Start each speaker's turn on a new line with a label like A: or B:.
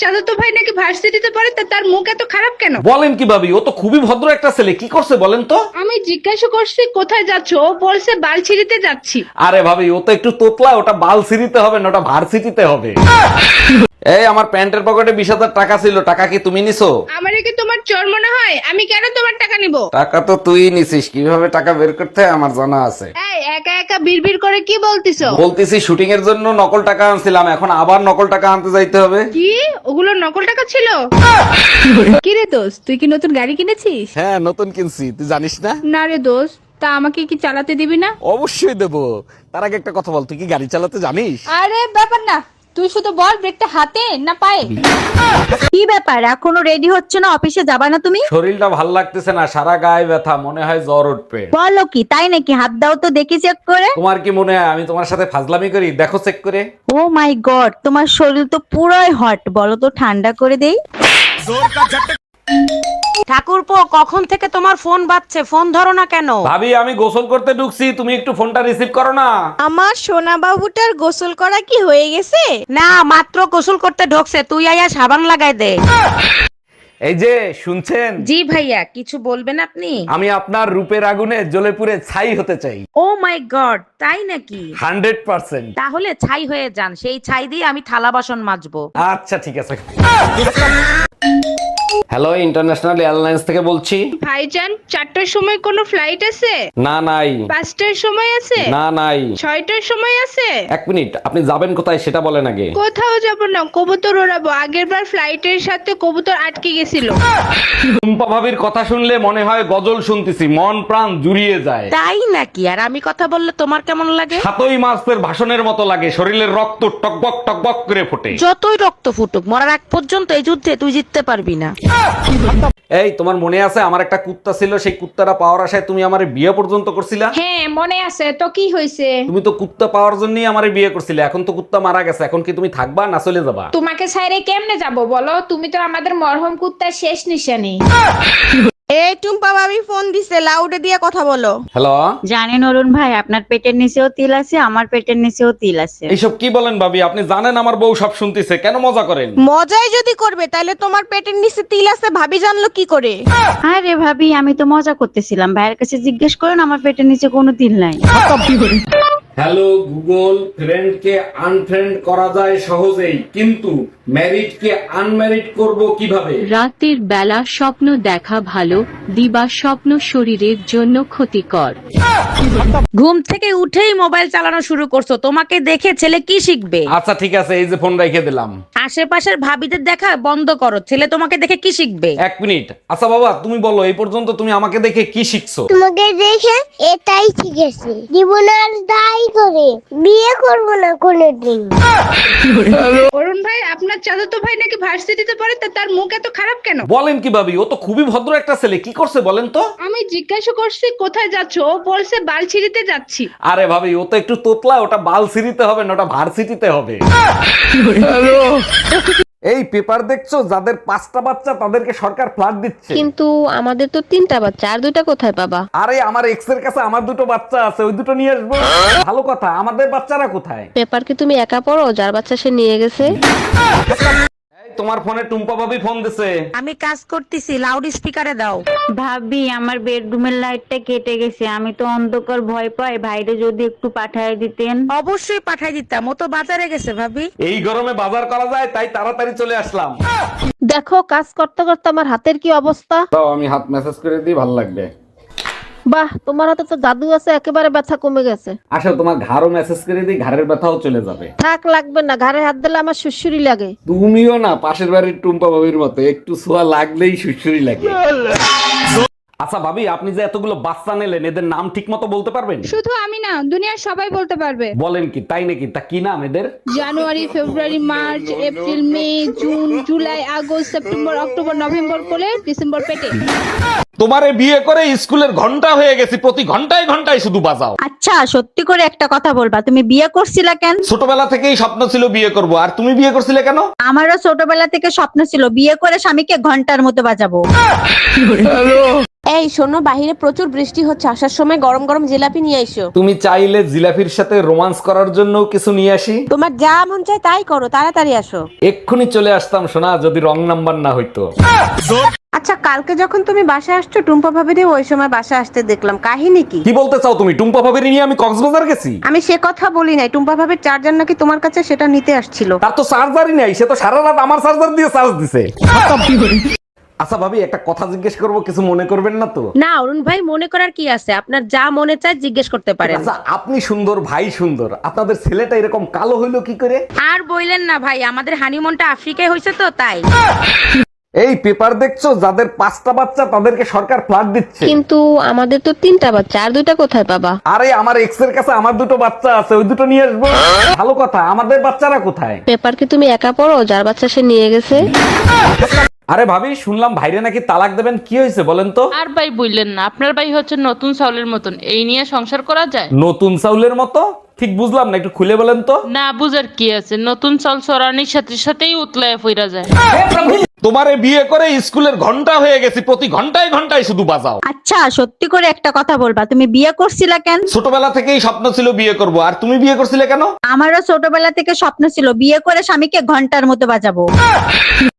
A: চাচাতো ভাই নাকি ভার্সিটিতে পড়ে, তা তার মুখ এত খারাপ কেন?
B: বলেন কি ভাবি, ও তো খুবই ভদ্র একটা ছেলে, কি করছে বলেন তো?
A: আমি জিজ্ঞাসা করছি কোথায় যাচ্ছ, ও বলছে বালছিড়িতে যাচ্ছি।
B: আরে ভাবি, ও তো একটু তোতলা, ওটা বালসিরিতে হবে না, ওটা ভার্সিটিতে হবে। এই আমার প্যান্টের পকেটে 20,000 টাকা ছিল, টাকা কি তুমি নিছো?
A: আমারে কি তোমার চোর মনে হয়? আমি কেন তোমার টাকা নিব?
B: টাকা তো তুই নিছিস, কিভাবে টাকা বের করতে হয় আমার জানা আছে।
A: এই একা একা বিড়বিড় করে কি বলতিছো?
B: বলতেছি শুটিং এর জন্য নকল টাকা আনছিলাম, এখন আবার নকল টাকা আনতে যাইতে হবে।
A: কি ওগুলো নকল টাকা ছিল? কি রে দোস্ত, তুই কি নতুন গাড়ি কিনেছিস?
C: হ্যাঁ, নতুন কিনছি, তুই জানিস না?
A: না রে দোস্ত, তা আমাকে কি চালাতে দিবি না?
C: অবশ্যই দেবো। তার আগে একটা কথা বল, তুই কি গাড়ি চালাতে জানিস?
A: আরে ব্যাপার না, তুই শুধু বল ব্রেকটা হাতে না পায়ে।
D: কি ব্যাপার, এখনো রেডি হচ্ছে না? অফিসে যাবা না তুমি?
B: শরীরটা ভাল লাগতেছে না, সারা গায়ে ব্যথা, মনে হয় জ্বর উঠবে।
D: বলো কি, তাই নাকি? হাত দাও তো দেখি চেক করে।
B: তোমার কি মনে হয় আমি তোমার সাথে ফাজলামি করি? দেখো চেক করে।
D: ও মাই গড, তোমার শরীর তো পুরোই হট, বলো তো ঠান্ডা করে দেই।
E: ঠাকুরপো, কখন থেকে তোমার ফোন বাজছে, ফোন ধরো না কেন?
B: ভাবি আমি গোসল করতে ঢুকছি, তুমি একটু ফোনটা রিসিভ করো না।
F: আমার সোনা বাবুটার গোসল করা কি হয়ে গেছে?
E: না, মাত্র গোসল করতে ঢোকছে, তুই আয়া সাবান লাগাই দে।
B: এই যে শুনছেন,
E: জি ভাইয়া, কিছু বলবেন আপনি?
B: আমি আপনার রূপের আগুনে জ্বলে পুড়ে ছাই হতে চাই।
E: ও মাই গড, তাই নাকি?
B: 100%।
E: তাহলে ছাই হয়ে যান, সেই ছাই দিয়ে আমি থালা বাসন মাজবো।
B: আচ্ছা ঠিক আছে। হ্যালো, ইন্টারন্যাশনাল এয়ারলাইন্স থেকে বলছি।
A: ভাইজান, 4টার সময় কোনো ফ্লাইট আছে?
B: না নাই।
A: 5টার সময় আছে?
B: না নাই।
A: 6টার সময় আছে?
B: 1 মিনিট, আপনি যাবেন কোথায় সেটা বলেন আগে।
A: কোথাও যাব না, কবুতর ওড়াবো। আগের বার ফ্লাইটের সাথে কবুতর আটকে গেছিল।
B: টুম্পা ভাবির কথা শুনলে মনে হয় গজল শুনতেছি, মন প্রাণ জুড়িয়ে যায়।
E: তাই নাকি? আর আমি কথা বললে তোমার কেমন লাগে?
B: 7ই মাসের ভাষণের মতো লাগে, শরীরের রক্ত টকবক টকবক করে ফোটে।
E: যতই রক্ত ফুটুক, মরার আগ পর্যন্ত এই যুদ্ধে তুই জিততে পারবি না।
B: এই তোমার মনে আছে আমার একটা কুত্তা ছিল, সেই কুত্তাটা পাওয়ার আশায় তুমি আমারে বিয়ে পর্যন্ত করছিলা?
A: হ্যাঁ মনে আছে তো, কি হয়েছে?
B: তুমি তো কুত্তা পাওয়ার জন্যই আমারে বিয়ে করছিলে, এখন তো কুত্তা মারা গেছে, এখন কি তুমি থাকবা না চলে যাবা?
A: তোমাকে ছাইরে কেমনে যাব বলো? তুমি তো আমাদের মরহম কুত্তার শেষ নিশানি।
F: এই টুম্পা ভাবি ফোন দিছে, লাউডে দিয়ে কথা বলো।
B: হ্যালো,
D: জানেন অরুণ ভাই, আপনার পেটের নিচেও তিল আছে, আমার পেটের নিচেও তিল আছে।
B: এইসব কি বলেন ভাবি? আপনি জানেন আমার বউ সব শুনতেছে, কেন মজা করেন?
F: মজাই যদি করবে তাহলে তোমার পেটের নিচে তিল আছে ভাবি জানলো কি করে?
D: আরে ভাবি, আমি তো মজা করতেছিলাম, ভাইয়ের কাছে জিজ্ঞেস করেন, আমার পেটের নিচে কোনো তিল নাই।
B: হ্যালো গুগল, ফ্রেন্ডকে আনফ্রেন্ড করা যায় সহজেই, কিন্তু ম্যারিডকে আনম্যারিড করব কিভাবে?
G: রাতের বেলা স্বপ্ন দেখা ভালো, দিবা স্বপ্ন শরীরের জন্য ক্ষতিকর।
E: ঘুম থেকে উঠেই মোবাইল চালানো শুরু করছো, তোমাকে দেখে ছেলে কি শিখবে?
B: আচ্ছা ঠিক আছে, এই যে ফোন রেখে দিলাম।
E: আশেপাশের ভাবিদের দেখা বন্ধ করো, ছেলে তোমাকে দেখে কি শিখবে?
B: 1 মিনিট। আচ্ছা বাবা, তুমি বলো এই পর্যন্ত তুমি আমাকে দেখে কি শিখছো?
H: তোমাকে দেখে এটাই শিখেছি, জীবন আর দায়ী করে বিয়ে করবো না কোনোদিন।
A: অরুণ ভাই, আপনার চাচাতো ভাই নাকি ভার্সিটিতে পড়ে, তা তার মুখ এত খারাপ কেন?
B: বলেন কি ভাবি, ও তো খুবই ভদ্র একটা ছেলে, কি করছে বলেন তো?
A: আমি জিজ্ঞাসা করছি কোথায় যাচ্ছ, ও বলছে বালছিড়িতে যাচ্ছি।
B: আরে ভাবি, ও তো একটু তোতলা, ওটা বালসিরিতে হবে না, ওটা ভার্সিটিতে হবে। এই পেপার দেখছো, যাদের 5টা বাচ্চা তাদেরকে সরকার ফ্ল্যাট দিচ্ছে।
I: কিন্তু আমাদের তো 3টা বাচ্চা, আর 2টা কোথায় পাবা?
B: আরে আমার এক্স এর কাছে আমার 2টো বাচ্চা আছে, ওই 2টো নিয়ে আসবো। ভালো কথা, আমাদের বাচ্চারা কোথায়?
I: পেপার কি তুমি একা পড়ো? যার বাচ্চা সে নিয়ে গেছে।
B: এই তোমার ফোনে টুম্পা ভাবি ফোন দিছে।
E: আমি কাজ করতেছি, লাউড স্পিকারে দাও।
D: ভাবি, আমার বেডরুমের লাইটটা কেটে গেছে, আমি তো অন্ধকার ভয় পাই, ভাইরে যদি একটু পাঠায় দিতেন।
E: অবশ্যই পাঠাই দিতাম, ও তো বাজারে গেছে ভাবি।
B: এই গরমে বাজার করা যায়, তাই তাড়াতাড়ি চলে আসলাম।
I: দেখো, কাজ করতে করতে আমার হাতের কি অবস্থা।
B: দাও আমি হাত মেসেজ করে দিই, ভালো লাগবে।
I: বাহ, তোমার হাতে তো জাদু আছে, একেবারে ব্যথা কমে গেছে।
B: আসো তোমার ঘাড়ও মেসেজ করে দিই, ঘাড়ের ব্যথাও চলে যাবে।
I: থাক, লাগবে না, ঘাড়ে হাত দিলে আমার সুসুরি লাগে।
B: তুমিও না পাশের বাড়ির টুম্পা ভাবির মতো, একটু ছোঁয়া লাগলেই সুসুরি লাগে। আচ্ছা ভাবি, আপনি যে এতগুলো বাচ্চা নিলেন, এদের নাম ঠিক মতো বলতে পারবেন?
A: শুধু আমি না, দুনিয়ার সবাই বলতে পারবে।
B: বলেন কি, তাই নাকি? তা কি নাম এদের?
A: January, February, March, April, May, June, July, August, September, October, November কোলে, ডিসেম্বর পেটে।
B: তোমারে বিয়ে করে স্কুলের ঘন্টা হয়ে গেছি, প্রতি ঘন্টায় ঘন্টায় শুধু বাজাও।
D: আচ্ছা, সত্যি করে একটা কথা বলবা, তুমি বিয়ে করছিলা কেন?
B: ছোটবেলা থেকেই স্বপ্ন ছিল বিয়ে করব, আর তুমি বিয়ে করছিলে কেন?
D: আমারও ছোটবেলা থেকে স্বপ্ন ছিল বিয়ে করে স্বামীকে ঘন্টার মতো বাজাবো।
F: এই শোনো, বাহিরে প্রচুর বৃষ্টি হচ্ছে, আসার সময় গরম গরম জিলাপি নিয়ে আইসো।
B: তুমি চাইলে জিলাফির সাথে রোমান্স করার জন্য কিছু নিয়ে আসি।
F: তোমার যা মন চায় তাই করো, তাড়াতাড়ি আসো।
B: এক্ষুনি চলে আসতাম সোনা, যদি রং নাম্বার না হইতো।
F: আচ্ছা, কালকে যখন তুমি বাসা আসছো, টুম্পা ভাবিরে ওই সময় বাসা আসতে দেখলাম, কাহিনী কি?
B: কি বলতে চাও তুমি? টুম্পা ভাবির নিয়ে আমি কক্সবাজার গেছি?
F: আমি সে কথা বলি নাই, টুম্পা ভাবির চার্জার নাকি তোমার কাছে, সেটা নিতে আসছিল।
B: তার তো চার্জারই নাই, সে তো সারা রাত আমার চার্জার দিয়ে চার্জ দিছে। আচ্ছা ভাবি, একটা কথা জিজ্ঞেস করবো, কিছু মনে করবেন না তো?
E: না অরুণ ভাই, মনে করার কি আছে, আপনার যা মনে চায় জিজ্ঞেস করতে পারেন।
B: আচ্ছা, আপনি সুন্দর, ভাই সুন্দর, আপনাদের ছেলেটা এরকম কালো হইলো কি করে?
E: আর বইলেন না ভাই, আমাদের হানিমুনটা আফ্রিকায় হয়েছে তো তাই।
B: এই পেপার দেখছো, যাদের 5টা বাচ্চা তাদেরকে সরকার ফ্ল্যাট দিচ্ছে।
I: কিন্তু আমাদের তো 3টা বাচ্চা, আর 2টা কোথায় পাবা?
B: আরে আমার এক্স এর কাছে আমার 2টো বাচ্চা আছে, ওই 2টো নিয়ে আসবো। ভালো কথা, আমাদের বাচ্চারা কোথায়?
I: পেপার কি তুমি একা পড়ো? যার বাচ্চা সে নিয়ে গেছে।
B: আরে ভাবি, শুনলাম ভাইরে নাকি তালাক দেবেন, কি হয়েছে বলেন তো?
J: আর ভাই বললেন না, আপনার ভাই হচ্ছে নতুন চাউলের মতন, এই নিয়ে সংসার করা যায়?
B: নতুন চাউলের মতো? ঠিক বুঝলাম না, একটু খুলে বলেন তো।
J: না বুঝার কি আছে, নতুন চাল চড়ানির সাথে সাথেই উতলায় ফিরা যায়।
B: তোমারে বিয়ে করে স্কুলের ঘন্টা হয়ে গেছি, প্রতি ঘন্টায় ঘন্টায় শুধু বাজাও।
E: আচ্ছা সত্যি করে একটা কথা বলবা, তুমি বিয়ে করছিলা কেন?
B: ছোটবেলা থেকেই স্বপ্ন ছিল বিয়ে করব, আর তুমি বিয়ে করছিলে কেন?
E: আমারও ছোটবেলা থেকে স্বপ্ন ছিল বিয়ে করে স্বামীকে ঘন্টার মতো বাজাবো।